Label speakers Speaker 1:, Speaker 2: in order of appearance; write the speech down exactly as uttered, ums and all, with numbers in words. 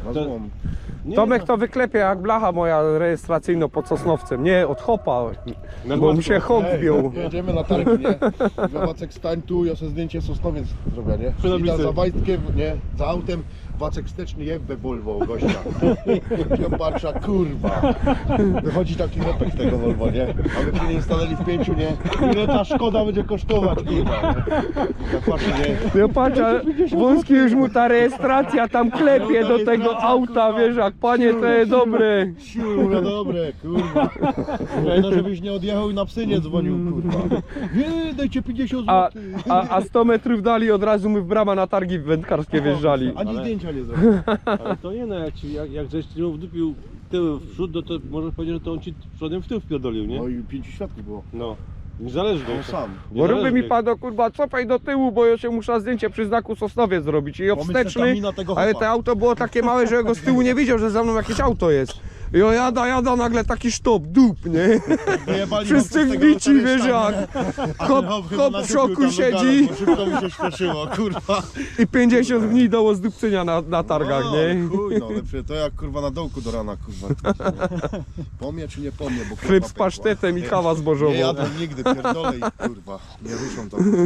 Speaker 1: Na
Speaker 2: To-
Speaker 1: złom.
Speaker 2: Nie,
Speaker 3: Tomek to wyklepie jak blacha moja rejestracyjna pod Sosnowcem. Nie, od hopa,
Speaker 2: Na
Speaker 3: bo mu
Speaker 2: gładko.
Speaker 3: się hop
Speaker 1: Ej,
Speaker 3: wbił.
Speaker 1: jedziemy na targi, nie? I Wacek stań tu, ja sobie zdjęcie Sosnowiec zrobię, nie?
Speaker 2: Przy
Speaker 1: Ida
Speaker 2: tablicy.
Speaker 1: za Wajtkiem, nie? Za autem, Wacek wsteczny jebę Volvo gościa. Ja patrzę, kurwa. Wychodzi taki repek z tego Volvo, nie? A my się nie stanęli w pięciu, nie? Ile ta szkoda będzie kosztować, kurwa, nie? Ja patrzę, nie?
Speaker 3: Ja patrzę, wąski już mu ta rejestracja tam klepie do tego auta, wiesz, jak panie to jest dobre.
Speaker 1: Siu, mówię, dobre, kurwa. Mówię, no żebyś nie odjechał i na psy nie dzwonił, kurwa. Nie, dajcie pięćdziesiąt
Speaker 3: A,
Speaker 1: złotych.
Speaker 3: a, a sto metrów dali od razu my w brama na targi wędkarskie wjeżdżali.
Speaker 1: Ani
Speaker 2: Ale-
Speaker 1: zdjęcia nie zrobił.
Speaker 2: Ale to nie no, jak, ci, jak, jak żeś ci wdupił tył w przód, no to możesz powiedzieć, że to on ci przodem w tył wpierdolił, nie?
Speaker 1: No i pięciu świadków było.
Speaker 2: No. Niezależnie.
Speaker 1: On sam.
Speaker 3: Bo ruby mi
Speaker 2: Niezależnie.
Speaker 3: padło, kurwa, cofaj do tyłu, bo ja się muszę zdjęcie przy znaku Sosnowiec zrobić. I obsteczny,
Speaker 1: mina tego
Speaker 3: ale
Speaker 1: chopa.
Speaker 3: to auto było takie małe, że ja go z tyłu nie widział, że za mną jakieś auto jest. I o jada, jada, nagle taki sztop, dup, nie?
Speaker 1: Wyjebali
Speaker 3: Wszyscy
Speaker 1: chłopcy z tego
Speaker 3: wbici, wiesz
Speaker 1: autoryszta,
Speaker 3: jak.
Speaker 1: nie? A
Speaker 3: Hop,
Speaker 1: ten hop chyba
Speaker 3: hop
Speaker 1: na
Speaker 3: w
Speaker 1: dupiu
Speaker 3: szoku
Speaker 1: tam
Speaker 3: siedzi
Speaker 1: wygadał, bo szybko mi się śpieszyło, kurwa.
Speaker 3: i pięćdziesiąt dni do zdupcenia na, na targach,
Speaker 1: No,
Speaker 3: nie?
Speaker 1: chuj, no lepsze to jak kurwa na dołku do rana, kurwa. Pomie czy nie pomie, bo
Speaker 3: Chleb
Speaker 1: kurwa
Speaker 3: z
Speaker 1: pękła.
Speaker 3: pasztetem i kawa
Speaker 1: Nie
Speaker 3: zbożową.
Speaker 1: jadłem nigdy, pierdolę i kurwa, nie ruszą tam.